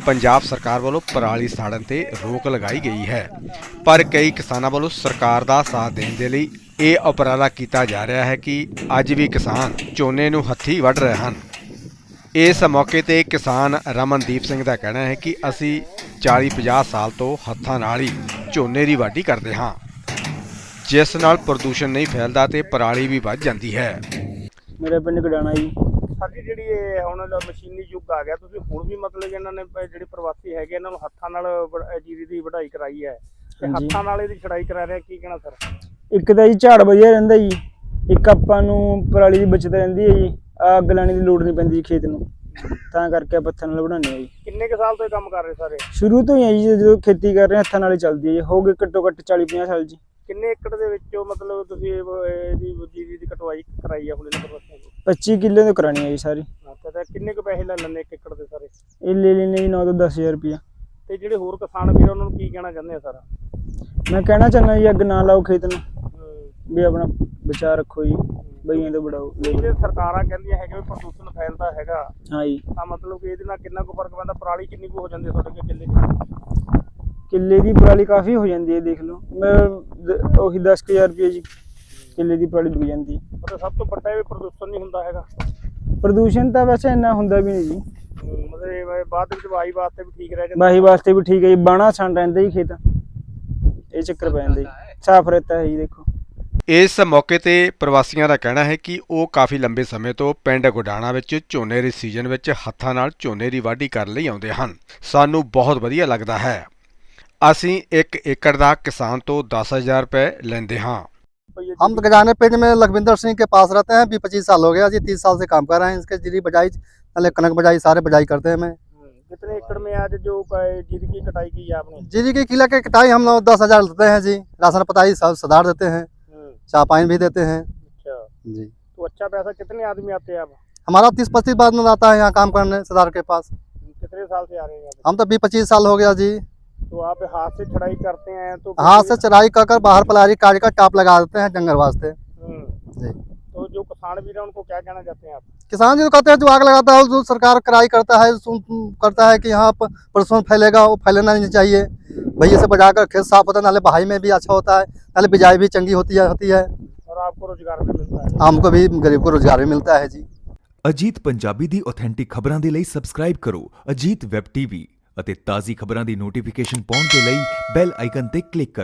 ਪੰਜਾਬ ਸਰਕਾਰ ਵੱਲੋਂ ਪਰਾਲੀ ਸਾੜਨ ਤੇ ਰੋਕ ਲਗਾਈ ਗਈ ਹੈ, ਪਰ ਕਈ ਕਿਸਾਨਾਂ ਵੱਲੋਂ ਸਰਕਾਰ ਦਾ ਸਾਥ ਦੇਣ ਦੇ ਲਈ ਇਹ ਉਪਰਾਲਾ ਕੀਤਾ ਜਾ ਰਿਹਾ ਹੈ ਕਿ ਅੱਜ ਵੀ ਕਿਸਾਨ ਝੋਨੇ ਨੂੰ ਹੱਥੀਂ ਵੱਢ ਰਹੇ ਹਨ। ਇਸ ਮੌਕੇ ਤੇ ਕਿਸਾਨ ਰਮਨਦੀਪ ਸਿੰਘ ਦਾ ਕਹਿਣਾ ਹੈ ਕਿ ਅਸੀਂ 40-50 ਸਾਲ ਤੋਂ ਹੱਥਾਂ ਨਾਲ ਹੀ ਝੋਨੇ ਦੀ ਵਾਢੀ ਕਰਦੇ ਹਾਂ, ਜਿਸ ਨਾਲ ਪ੍ਰਦੂਸ਼ਣ ਨਹੀਂ ਫੈਲਦਾ ਤੇ ਪਰਾਲੀ ਵੀ ਵੱਧ ਜਾਂਦੀ ਹੈ। मेरा पिंड गडाना जी। ਸਾਡੀ ਜਿਹੜੀ ਇਹ ਹੁਣ ਮਸ਼ੀਨੀ ਯੁੱਗ ਆ ਗਿਆ, ਤੁਸੀਂ ਹੁਣ ਵੀ ਮਤਲਬ ਇਹਨਾਂ ਨੇ ਜਿਹੜੇ ਪ੍ਰਵਾਸੀ ਹੈਗੇ ਇਹਨਾਂ ਨੂੰ ਹੱਥਾਂ ਨਾਲ ਜੀਰੀ ਦੀ ਵਢਾਈ ਕਰਾਈ ਹੈ ਤੇ ਹਾਂਜੀ। ਹੱਥਾਂ ਨਾਲ ਇਹਦੀ ਛੜਾਈ ਕਰਾ ਰਿਹਾ, ਕੀ ਕਹਿਣਾ ਸਰ? ਇੱਕ ਤਾਂ ਜੀ ਝਾੜ ਵਧੀਆ ਰਹਿੰਦਾ ਜੀ, ਇੱਕ ਆਪਾਂ ਨੂੰ ਪਰਾਲੀ ਦੀ ਬਚਤ ਰਹਿੰਦੀ ਹੈ ਜੀ, ਅੱਗ ਲਾਉਣ ਦੀ ਲੋੜ ਨਹੀਂ ਪੈਂਦੀ ਖੇਤ ਨੂੰ, ਤਾਂ ਕਰਕੇ ਆਪਾਂ ਹੱਥਾਂ ਨਾਲ ਵਢਾਉਂਦੇ ਹਾਂ ਜੀ। ਕਿੰਨੇ ਕੁ ਸਾਲ ਤੋਂ ਇਹ ਕੰਮ ਕਰ ਰਹੇ ਸਾਰੇ? ਸ਼ੁਰੂ ਤੋਂ ਹੀ ਹੈ ਜੀ, ਜਦੋਂ ਖੇਤੀ ਕਰ ਰਹੇ ਹਾਂ ਹੱਥਾਂ ਨਾਲ ਹੀ ਚੱਲਦੀ ਹੈ ਜੀ, ਹੋ ਗਏ ਘੱਟੋ ਘੱਟ 40-50 ਸਾਲ ਜੀ। ਕਿੰਨੇ ਏਕੜ ਦੇ ਵਿੱਚੋਂ ਮਤਲਬ ਤੁਸੀਂ ਇਹਦੀ ਜੀਰੀ ਦੀ ਕਟਵਾਈ ਕਰਾਈ ਆ ਹੁਣ ਇਹਨਾਂ ਪ੍ਰਵਾਸੀਆਂ ਤੋਂ? 25 ਕਿੱਲੇ ਤੋਂ ਕਰਾਣੀ ਹੈ ਜੀ ਸਾਰੀ। ਤੇ ਕਿੰਨੇ ਕੁ ਪੈਸੇ ਲੈ ਲੈਂਦੇ ਇੱਕ ਏਕੜ ਦੇ ਸਾਰੇ? ਇਹ ਲੈ ਲੈਣੇ ਜੀ 9 ਤੋਂ 10,000 ਰੁਪਇਆ। ਤੇ ਜਿਹੜੇ ਹੋਰ ਕਿਸਾਨ ਵੀਰ ਉਹਨਾਂ ਨੂੰ ਕੀ ਕਹਿਣਾ ਚਾਹੁੰਦੇ ਆ ਸਰ? ਮੈਂ ਕਹਿਣਾ ਚਾਹੁੰਦਾ ਜੀ, ਅੱਗ ਨਾ ਲਾਓ ਖੇਤ ਨੂੰ, ਵੀ ਆਪਣਾ ਬਚਾਅ ਰੱਖੋ ਜੀ, ਬਈਆਂ ਤੋਂ ਬੜਾਓ। ਜਿਹੜੇ ਸਰਕਾਰਾਂ ਕਹਿੰਦੀਆਂ ਹੈਗੇ ਵੀ ਪ੍ਰਦੂਸ਼ਣ ਫੈਲਦਾ ਹੈਗਾ, ਹਾਂ ਜੀ। ਤਾਂ ਮਤਲਬ ਕਿ ਇਹਦੇ ਨਾਲ ਕਿੰਨਾ ਕੁ ਫਰਕ ਪੈਂਦਾ? ਪਰਾਲੀ ਕਿੰਨੀ ਕੁ ਹੋ ਜਾਂਦੀ ਹੈ ਤੁਹਾਡੇ ਕੋਲ ਕਿੱਲੇ ਦੀ? ਕਿੱਲੇ ਦੀ ਪਰਾਲੀ ਕਾਫੀ ਹੋ ਜਾਂਦੀ ਹੈ, ਦੇਖ ਲਓ ਮੈਂ ਉਹੀ 10,000 ਰੁਪਏ ਜੀ ਕਿੱਲੇ ਦੀ ਪਰਾਲੀ ਵਿਕ ਜਾਂਦੀ ਹੈ। ਪਰ ਸਭ ਤੋਂ ਵੱਡਾ ਇਹ ਪ੍ਰਦੂਸ਼ਣ ਨਹੀਂ ਹੁੰਦਾ ਹੈਗਾ। ਪ੍ਰਦੂਸ਼ਣ ਤਾਂ ਵੈਸੇ ਇੰਨਾ ਹੁੰਦਾ ਵੀ ਨਹੀਂ ਜੀ, ਮਤਲਬ ਬਾਅਦ ਵਿੱਚ ਵਾਹੀ ਵਾਸਤੇ ਵੀ ਠੀਕ ਰਹਿ ਜਾਂਦਾ। ਵਾਹੀ ਵਾਸਤੇ ਵੀ ਠੀਕ ਹੈ ਜੀ, ਬਾਣਾ ਛਣ ਰਹਿੰਦਾ ਜੀ ਖੇਤ, ਇਹ ਚੱਕਰ ਪੈ ਜਾਂਦਾ ਜੀ, ਸਾਫ਼ ਰਹਿਤਾ ਹੈ ਜੀ। ਦੇਖੋ ਇਸ ਮੌਕੇ ਤੇ ਪ੍ਰਵਾਸੀਆਂ ਦਾ ਕਹਿਣਾ ਹੈ ਕਿ ਉਹ ਕਾਫੀ ਲੰਬੇ ਸਮੇਂ ਤੋਂ ਪਿੰਡ ਗੁਡਾਣਾ ਵਿੱਚ ਝੋਨੇ ਦੇ ਸੀਜ਼ਨ ਵਿੱਚ ਹੱਥਾਂ ਨਾਲ ਝੋਨੇ ਦੀ ਵਾਢੀ ਕਰਨ ਲਈ ਆਉਂਦੇ ਹਨ। ਸਾਨੂੰ ਬਹੁਤ ਵਧੀਆ ਲੱਗਦਾ ਹੈ। ਅਸੀਂ 1 ਏਕੜ ਦਾ किसान ਤੋਂ 10,000 रुपए लेंदे हाँ। हम गजाने पिंड में लखविंदर सिंह के पास रहते हैं, 20-25 साल हो गया जी, 30 साल से काम कर रहे हैं। इसके जीरी बजाई पहले कनक बजाई सारे बजाई करते हैं। मैं कितने एकड़ में आज जो जीरी की कटाई की है आपने? जीरी की किला के कटाई हम लोग 10,000 लेते हैं जी, राशन पताई सब सुधार देते हैं, चाय पानी भी देते हैं अच्छा जी। तो अच्छा पैसा कितने आदमी आते हैं आप? हमारा 30-35 बाद में आता है यहाँ काम करने सरदार के पास। कितने साल से आ रहे हैं आप? हम तो 20-25 साल हो गया जी। तो आप हाथ से छड़ाई करते हैं तो हाथ से चराई कर बाहर पलारी काट कर टाप लगा देते हैं जंगल वास्ते जी। तो जो किसान भी है उनको क्या कहना चाहते हैं आप? किसान जी कहते हैं जो आग लगाता है जो सरकार कराई करता है, करता है कि यहाँ पर प्रदूषण फैलेगा, वो फैलना नहीं चाहिए। भैया से बजाकर खेत साफ होता है, नाले बहाई में भी अच्छा होता है, नाले बिजाई भी चंगी होती है और आपको रोजगार भी मिलता है। हमको भी गरीब को रोजगार भी मिलता है जी। ਅਜੀਤ ਪੰਜਾਬੀ ਦੀ ਆਥੈਂਟਿਕ ਖਬਰਾਂ ਦੇ ਲਈ ਸਬਸਕ੍ਰਾਈਬ ਕਰੋ ਅਜੀਤ ਵੈਬ ਟੀਵੀ ਅਤੇ ਤਾਜ਼ੀ ਖਬਰਾਂ ਦੀ ਨੋਟੀਫਿਕੇਸ਼ਨ ਪਾਉਣ ਦੇ ਲਈ ਬੈਲ ਆਈਕਨ ਤੇ ਕਲਿੱਕ ਕਰੋ।